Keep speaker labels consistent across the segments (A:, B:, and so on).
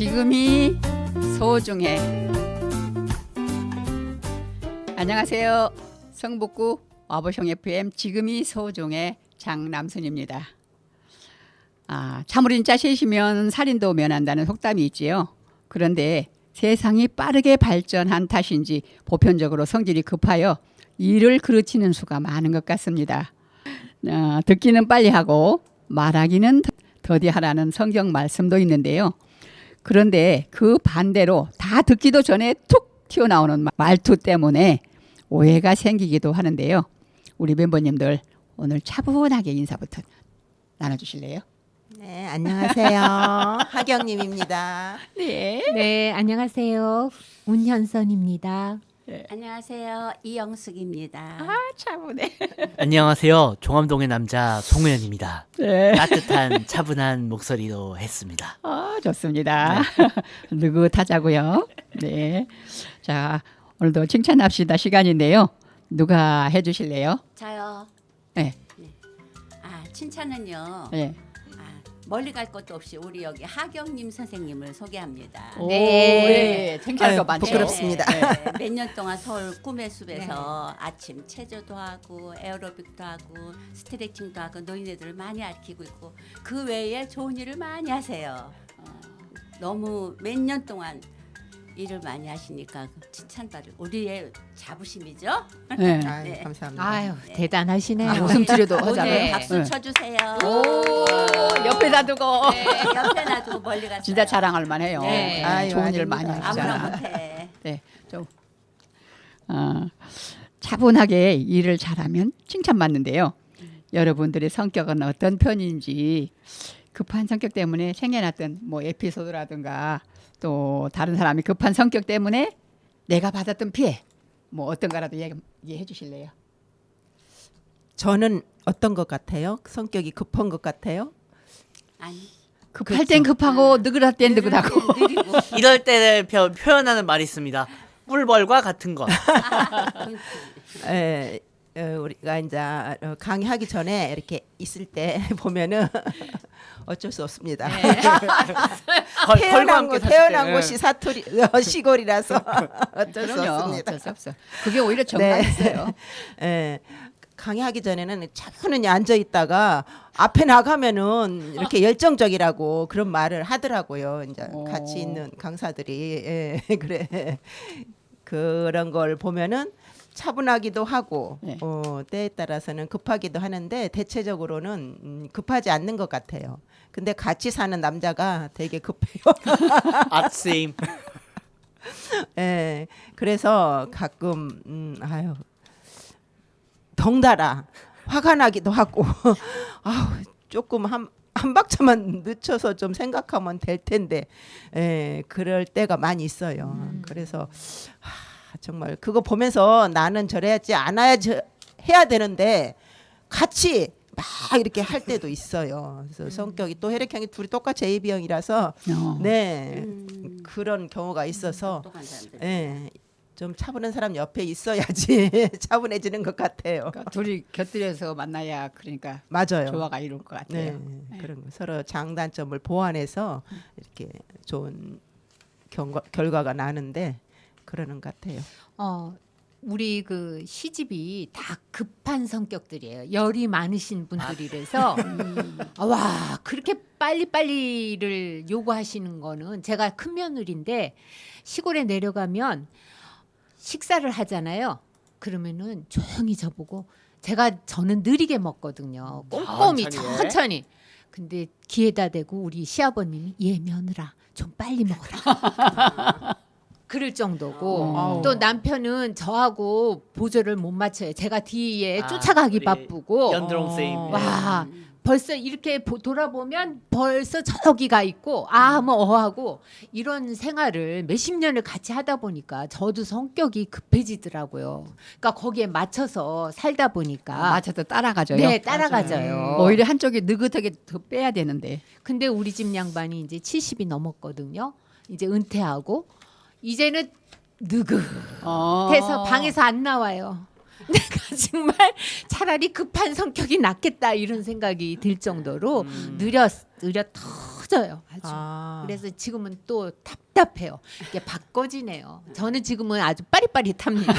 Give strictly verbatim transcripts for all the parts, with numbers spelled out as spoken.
A: 지금이 소중해. 안녕하세요. 성북구 와보숑 에프엠 지금이 소중해 장남순입니다. 아, 참으린자 셋이면 살인도 면한다는 속담이 있지요. 그런데 세상이 빠르게 발전한 탓인지 보편적으로 성질이 급하여 일을 그르치는 수가 많은 것 같습니다. 어, 듣기는 빨리 하고 말하기는 더디하라는 성경 말씀도 있는데요. 그런데 그 반대로 다 듣기도 전에 툭 튀어나오는 말투 때문에 오해가 생기기도 하는데요. 우리 멤버님들 오늘 차분하게 인사부터 나눠주실래요?
B: 네, 안녕하세요. 하경님입니다.
A: 네.
C: 네, 안녕하세요. 운현선입니다.
A: 네.
D: 안녕하세요. 이영숙입니다.
A: 아, 차분해.
E: 안녕하세요. 종암동의 남자 송우현입니다.
A: 네.
E: 따뜻한 차분한 목소리로 했습니다.
A: 아, 좋습니다. 네. 느긋하자고요. 네. 자, 오늘도 칭찬합시다 시간인데요. 누가 해주실래요?
D: 저요.
A: 네.
D: 네. 아, 칭찬은요.
A: 네.
D: 아, 멀리 갈 것도 없이 우리 여기 하경님 선생님을 소개합니다.
A: 오,
C: 네.
A: 네. 창피할 거
B: 아유,
A: 많죠.
B: 부끄럽습니다.
D: 네, 몇 년 동안 서울 꿈의 숲에서 아침 체조도 하고 에어로빅도 하고 스트레칭도 하고 노인네들을 많이 아끼고 있고 그 외에 좋은 일을 많이 하세요. 어, 너무 몇 년 동안 일을 많이 하시니까 칭찬받을 우리의 자부심이죠.
A: 네.
B: 아유,
D: 네.
B: 감사합니다.
C: 아유,
D: 네.
C: 대단하시네요.
A: 아, 웃음 치료도
D: 오늘
A: 하잖아요.
D: 박수
A: 네.
D: 쳐주세요.
A: 오, 옆에다 두고.
D: 네, 옆에 놔두고 멀리 갔어요.
A: 진짜 자랑할 만해요.
D: 네.
B: 아유,
A: 좋은 일
B: 아닙니다.
A: 많이
D: 아무나
A: 하시잖아.
D: 못해.
A: 네, 좀 어, 차분하게 일을 잘하면 칭찬받는데요. 여러분들의 성격은 어떤 편인지 급한 성격 때문에 생겨났던 뭐 에피소드라든가 또 다른 사람이 급한 성격 때문에 내가 받았던 피해 뭐 어떤 거라도 얘기, 얘기해 주실래요?
B: 저는 어떤 것 같아요? 성격이 급한 것 같아요?
D: 아니.
A: 급할 땐 급하고 느긋할 땐 느긋하고.
D: 느리고.
E: 이럴 때 표, 표현하는 말이 있습니다. 꿀벌과 같은 것.
B: 에, 어, 우리가 이제 어, 강의하기 전에 이렇게 있을 때 보면은 어쩔 수 없습니다.
E: 벌, 벌과
B: 태어난
E: 함께
B: 곳
E: 사실
B: 태어난
E: 때.
B: 곳이 사투리 어, 시골이라서 어쩔 수
A: 그럼요.
B: 없습니다.
A: 어쩔 수 없어. 그게 오히려 정말 있어요.
B: 예. 강의하기 전에는 차분히 앉아 있다가 앞에 나가면은 이렇게 열정적이라고 그런 말을 하더라고요. 이제
A: 오.
B: 같이 있는 강사들이 예, 그래 그런 걸 보면은 차분하기도 하고
A: 네.
B: 어, 때에 따라서는 급하기도 하는데 대체적으로는 음, 급하지 않는 것 같아요. 근데 같이 사는 남자가 되게 급해요.
E: 아침.
B: 예, 그래서 가끔 음, 아유 덩달아 화가 나기도 하고 아우 조금 한, 한 박자만 늦춰서 좀 생각하면 될 텐데 예, 그럴 때가 많이 있어요.
C: 음.
B: 그래서 하, 정말 그거 보면서 나는 저래야지 않아야지 해야 되는데 같이 막 이렇게 할 때도 있어요. 그래서 성격이 또 혈액형이 둘이 똑같이 에이비형이라서
A: 어.
B: 네
D: 음.
B: 그런 경우가 있어서
D: 똑똑한 사람들.
B: 예, 좀 차분한 사람 옆에 있어야지 차분해지는 것 같아요.
A: 그러니까 둘이 곁들여서 만나야 그러니까
B: 맞아요.
A: 조화가 이룰 것 같아요.
B: 네, 그런 거 서로 장단점을 보완해서 이렇게 좋은 경과, 결과가 나는데 그러는 것 같아요.
C: 어, 우리 그 시집이 다 급한 성격들이에요. 열이 많으신 분들이라서 아, 와 그렇게 빨리빨리를 요구하시는 거는 제가 큰 며느리인데 시골에 내려가면 식사를 하잖아요. 그러면은 조용히 저보고 제가 저는 느리게 먹거든요. 꼼꼼히
E: 천천히.
C: 천천히. 근데 귀에다 대고 우리 시아버님이 얘 며느라 좀 빨리 먹어라. 그럴 정도고
A: 어.
C: 또 남편은 저하고 보조를 못 맞춰요. 제가 뒤에
E: 아,
C: 쫓아가기
E: 우리
C: 바쁘고
E: 연드롱 쌤.
B: 어.
C: 와 벌써 이렇게 보, 돌아보면 벌써 저기가 있고 아 뭐 어하고 이런 생활을 몇십 년을 같이 하다 보니까 저도 성격이 급해지더라고요. 그러니까 거기에 맞춰서 살다 보니까
A: 맞춰서 따라가져요.
C: 네 따라가져요.
A: 오히려 한쪽이 느긋하게 더 빼야 되는데.
C: 근데 우리 집 양반이 이제 칠십이 넘었거든요. 이제 은퇴하고 이제는 느긋해서
A: 어.
C: 방에서 안 나와요. 내가 정말 차라리 급한 성격이 낫겠다 이런 생각이 들 정도로
E: 음.
C: 느려 느려 더 터져요. 아주.
B: 아.
C: 그래서 지금은 또 답답해요. 이게 바꿔지네요. 저는 지금은 아주 빠릿빠릿합니다.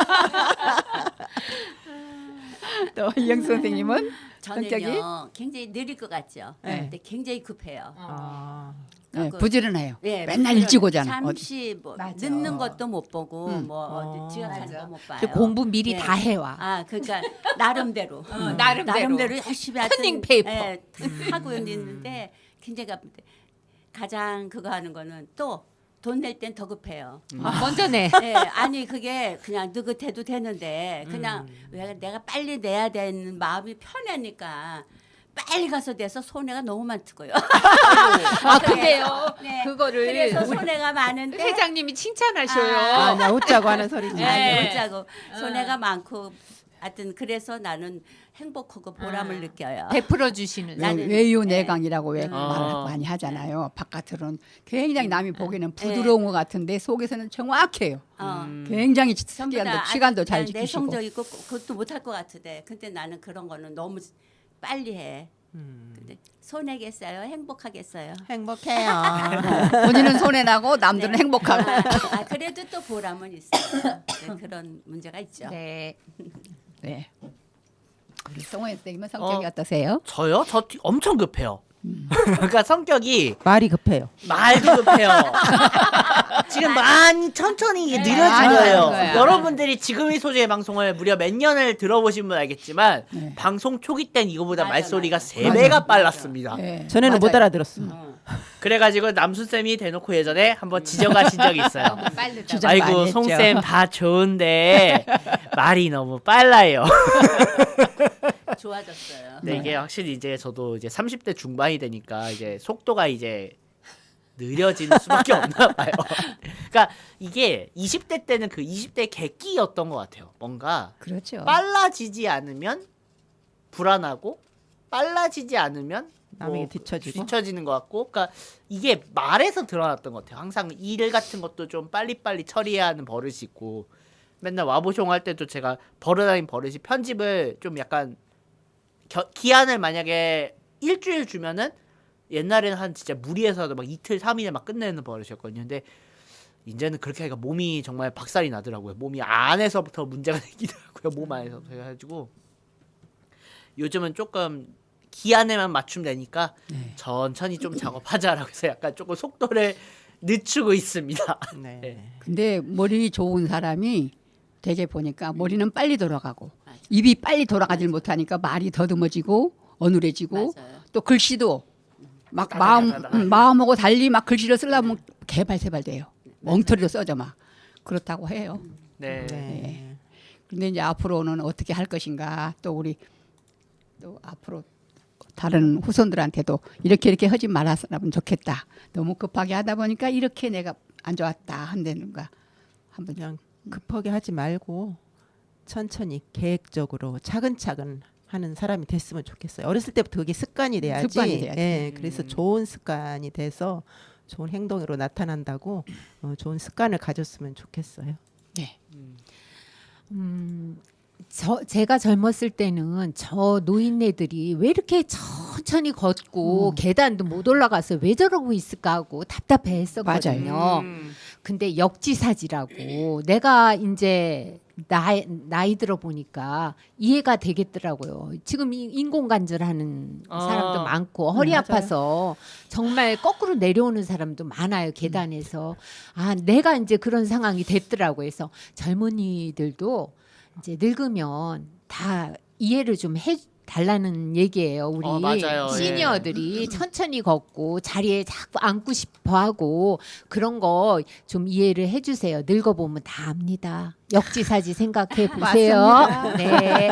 A: 또 이영수 선생님은 성격이?
D: 저는요 굉장히 느릴 것 같죠.
B: 네.
D: 근데 굉장히 급해요.
B: 아.
A: 네,
D: 그-
A: 부지런해요.
D: 네,
A: 맨날
D: 그런
A: 일찍 오잖아.
D: 잠시 뭐
C: 맞아.
D: 늦는 것도 못 보고
A: 음.
D: 뭐
B: 어.
D: 어디 지각하는
C: 맞아.
D: 거 못 봐요.
C: 그 공부 미리
D: 네.
C: 다 해와.
D: 아 그러니까 나름대로 음.
C: 나름대로.
D: 열심히 하여튼,
C: 커닝 페이퍼.
D: 예, 하고 있는데 굉장히 갑니다. 가장 그거 하는 거는 또 돈 낼 땐 더 급해요.
C: 아, 먼저 내.
D: 예, 아니 그게 그냥 느긋해도 되는데 그냥 왜 내가 빨리 내야 되는 마음이 편하니까 빨리 가서 내서 손해가 너무 많고요.
C: 아 근데요.
D: 네.
C: 그거를
D: 그래서
C: 우리
D: 손해가 많은데
C: 회장님이 칭찬하셔요.
B: 아, 나 웃자고 하는 소리지.
C: 네.
D: 아니 못자고 손해가 많고 하여튼 그래서 나는 행복하고 보람을
C: 아.
D: 느껴요.
C: 베풀어 주시는.
A: 왜-
D: 나는-
A: 외유내강이라고 왜
D: 음.
A: 말을
E: 어.
A: 많이 하잖아요. 바깥으로는 굉장히 남이 보기에는 부드러운 것 같은데 속에서는 정확해요.
D: 어.
E: 음.
A: 굉장히
D: 전부 다
A: 시간도, 시간도 잘
D: 난
A: 지키시고.
D: 내성적이고 그것도 못할 것 같은데 근데 나는 그런 거는 너무 빨리 해.
B: 음.
D: 근데 손해겠어요? 행복하겠어요?
B: 행복해요.
A: 본인은 손해나고 남들은
D: 네.
A: 행복하고.
D: 아, 아, 그래도 또 보람은 있어요. 네, 그런 문제가 있죠.
C: 네.
A: 네. 우리 성호 선생님은 성격이
E: 어.
A: 어. 떠세요
E: 저요? 저 뒤- 엄청 급해요. 그러니까 성격이
B: 말이 급해요.
E: 말도 급해요. 지금 많이 천천히 이게 느려진
C: 맞아요.
E: 거예요.
C: 거야.
E: 여러분들이 지금의 소재의 방송을 무려 몇 년을 들어보신 분 알겠지만
A: 네.
E: 방송 초기 땐 이거보다
D: 맞아,
E: 말소리가
D: 맞아.
E: 세 배가 빨랐습니다.
A: 네.
B: 전에는 못
A: 맞아요.
B: 알아들었어.
D: 어.
E: 그래가지고 남순 쌤이 대놓고 예전에 한번 지적하신 적이 있어요.
C: 너무 빠르다.
A: 주저- 많이
E: 아이고
A: 했죠.
E: 송쌤 다 좋은데 말이 너무 빨라요.
D: 좋아졌어요.
E: 네, 이게 확실히 이제 저도 이제 삼십 대 중반이 되니까 이제 속도가 이제 느려지는 수밖에 없나 봐요. 그러니까 이게 이십 대 때는 그 이십 대 객기였던 것 같아요. 뭔가
A: 그렇죠.
E: 빨라지지 않으면 불안하고 빨라지지 않으면
B: 남에게
E: 뭐
B: 뒤처지고.
E: 뒤처지는 것 같고, 그러니까 이게 말에서 드러났던 것 같아요. 항상 일 같은 것도 좀 빨리빨리 처리해야 하는 버릇이 있고, 맨날 와보숑 할 때도 제가 버릇아닌 버릇이 편집을 좀 약간 겨, 기한을 만약에 일주일 주면은 옛날에는 한 진짜 무리해서도 막 이틀 삼일에 막 끝내는 버릇이었거든요. 근데 이제는 그렇게 하니까 몸이 정말 박살이 나더라고요. 몸이 안에서부터 문제가 생기더라고요. 몸 안에서부터 해가지고 요즘은 조금 기한에만 맞추면 되니까
A: 네.
E: 천천히 좀 작업하자라고 해서 약간 조금 속도를 늦추고 있습니다.
B: 네.
E: 네.
A: 근데 머리 좋은 사람이 되게 보니까 머리는 빨리 돌아가고
D: 맞아.
A: 입이 빨리 돌아가질 못하니까 말이 더듬어지고 어눌해지고
D: 맞아요.
A: 또 글씨도 막 마음
E: 다다다다다.
A: 음, 마음하고 달리 막 글씨를 쓰려면 개발세발돼요. 엉터리로 써져 막 그렇다고 해요.
E: 네.
B: 네.
A: 근데 이제 앞으로는 어떻게 할 것인가 또 우리 또 앞으로 다른 후손들한테도 이렇게 이렇게 하지 말았으면 좋겠다. 너무 급하게 하다 보니까 이렇게 내가 안 좋았다 한다는가 한번
B: 그냥 급하게 하지 말고 천천히 계획적으로 차근차근 하는 사람이 됐으면 좋겠어요. 어렸을 때부터 그게 습관이 돼야지.
A: 습관이 돼야지.
B: 예, 그래서
E: 음.
B: 좋은 습관이 돼서 좋은 행동으로 나타난다고 어, 좋은 습관을 가졌으면 좋겠어요.
A: 네.
C: 음, 저 제가 젊었을 때는 저 노인네들이 왜 이렇게 천천히 걷고
A: 음.
C: 계단도 못 올라가서 왜 저러고 있을까 하고 답답해했었거든요.
E: 음.
C: 근데 역지사지라고 내가 이제 나이, 나이 들어 보니까 이해가 되겠더라고요. 지금 이- 인공관절하는
E: 아.
C: 사람도 많고 허리
B: 맞아요.
C: 아파서 정말 거꾸로 내려오는 사람도 많아요. 계단에서. 아, 내가 이제 그런 상황이 됐더라고요. 그래서 젊은이들도 이제 늙으면 다 이해를 좀 해 달라는 얘기예요. 우리
E: 어, 맞아요.
C: 시니어들이 천천히 걷고 자리에 자꾸 앉고 싶어 하고 그런 거 좀 이해를 해 주세요. 늙어 보면 다 압니다. 역지사지 생각해 보세요.
B: 맞습니다.
C: 네.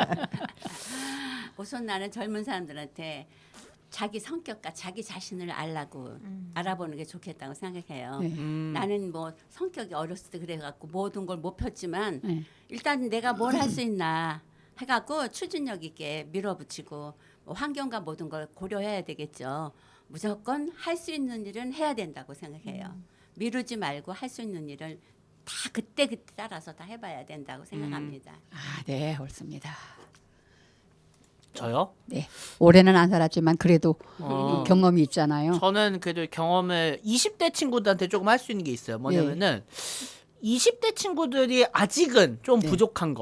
D: 우선 나는 젊은 사람들한테 자기 성격과 자기 자신을 알라고 알아보는 게 좋겠다고 생각해요.
A: 네.
E: 음.
D: 나는 뭐 성격이 어렸을 때 그래갖고 모든 걸 못 폈지만
A: 네.
D: 일단 내가 뭘 할 수 있나 해갖고 추진력 있게 밀어붙이고 뭐 환경과 모든 걸 고려해야 되겠죠. 무조건 할 수 있는 일은 해야 된다고 생각해요. 미루지 말고 할 수 있는 일을 다 그때 그때 따라서 다 해봐야 된다고 생각합니다.
A: 아, 네, 옳습니다.
E: 저요?
A: 올해는 안 살았지만 그래도
E: 어.
A: 경험이 있잖아요.
E: 저는 그래도 경험을 이십 대 친구들한테 조금 할 수 있는 게 있어요. 뭐냐면은 이십 대 친구들이 아직은 좀
A: 네.
E: 부족한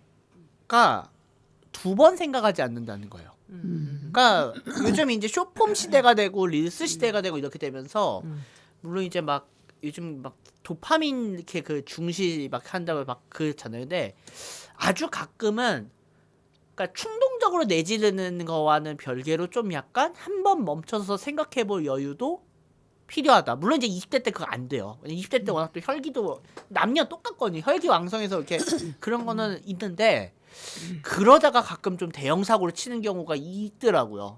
E: 거가 두 번 생각하지 않는다는 거예요.
A: 음.
E: 그러니까 요즘 이제 숏폼 시대가 되고 릴스 시대가 되고 이렇게 되면서 물론 이제 막 요즘 막 도파민 이렇게 그 중시 막 한다고 막 그렇잖아요. 근데 아주 가끔은 그러니까 충동적으로 내지르는 거와는 별개로 좀 약간 한 번 멈춰서 생각해 볼 여유도 필요하다. 물론 이제 이십 대 때 그거 안 돼요. 이십 대 때 워낙 또 혈기도 남녀 똑같거든요. 혈기왕성해서 이렇게 그런 거는 있는데 그러다가 가끔 좀 대형 사고를 치는 경우가 있더라고요.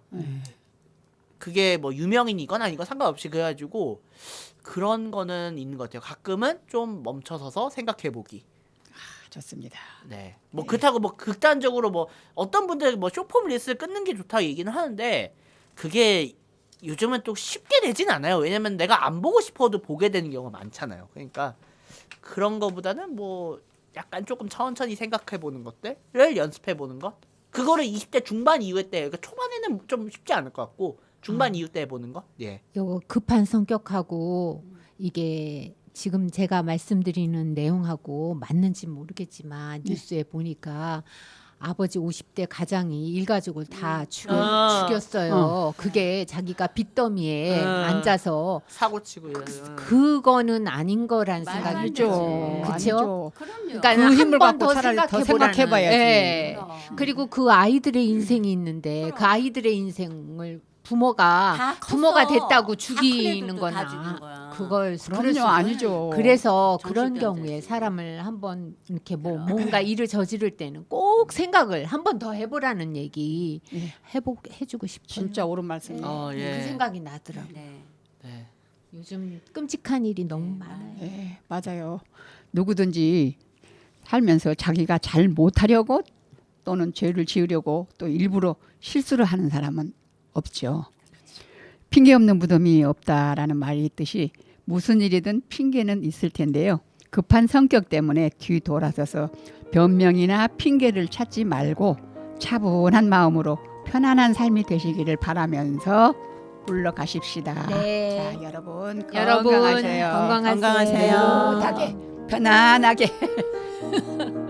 E: 그게 뭐 유명인이건 아니건 상관없이 그래가지고 그런 거는 있는 것 같아요. 가끔은 좀 멈춰서서 생각해 보기.
A: 좋습니다.
E: 네. 뭐 그렇다고 뭐 극단적으로 뭐 어떤 분들 뭐 쇼폼 리스를 끊는 게 좋다 얘기는 하는데 그게 요즘은 또 쉽게 되진 않아요. 왜냐면 내가 안 보고 싶어도 보게 되는 경우가 많잖아요. 그러니까 그런 거보다는 뭐 약간 조금 천천히 생각해 보는 것들을 연습해 보는 것. 그거를 이십 대 중반 이후에 때 그러니까 초반에는 좀 쉽지 않을 것 같고 중반 이후 때 해보는 거. 예.
C: 요 급한 성격하고 이게 지금 제가 말씀드리는 내용하고 맞는지 모르겠지만 뉴스에 보니까 아버지 오십 대 가장이 일가족을 다 죽여,
E: 아.
C: 죽였어요. 그게 자기가 빚더미에
E: 아.
C: 앉아서
E: 사고 치고 이러면.
C: 그거는 아닌 거란
D: 말도 안
C: 생각이
D: 되지.
A: 아니죠.
C: 그쵸?
A: 아니죠.
D: 그럼요.
C: 그러니까
A: 그 힘을
C: 한 번
A: 갖고
C: 더
A: 차라리 더
C: 생각해보라는.
A: 생각해봐야지.
C: 예.
D: 그럼.
C: 그리고 그 아이들의 인생이 있는데 그 아이들의 인생을 부모가
D: 다 컸어.
C: 부모가 됐다고
D: 다 큰
C: 죽이는
D: 애들도 다 죽이는
C: 거나
D: 거야.
C: 그걸
A: 그럼요,
C: 그럴 수
A: 아니죠.
C: 그래서 그런
D: 정신병자지.
C: 경우에 사람을 한번 이렇게 뭐 뭔가 일을 저지를 때는 꼭 생각을 한 번 더 해보라는 얘기
A: 예.
C: 해보 해주고 싶어요.
A: 진짜 옳은 말씀.
E: 어, 예.
C: 그 생각이 나더라고. 요
D: 네.
E: 네.
C: 요즘 끔찍한 일이 너무
D: 네,
C: 많아요.
A: 예, 맞아요. 누구든지 살면서 자기가 잘 못하려고 또는 죄를 지으려고 또 일부러 실수를 하는 사람은 없죠. 핑계 없는 무덤이 없다라는 말이 있듯이 무슨 일이든 핑계는 있을 텐데요. 급한 성격 때문에 뒤돌아서서 변명이나 핑계를 찾지 말고 차분한 마음으로 편안한 삶이 되시기를 바라면서 물러가십시다.
C: 네.
A: 자, 여러분
C: 여러분
A: 건강하세요.
C: 건강하세요.
B: 건강하세요.
A: 행복하게 편안하게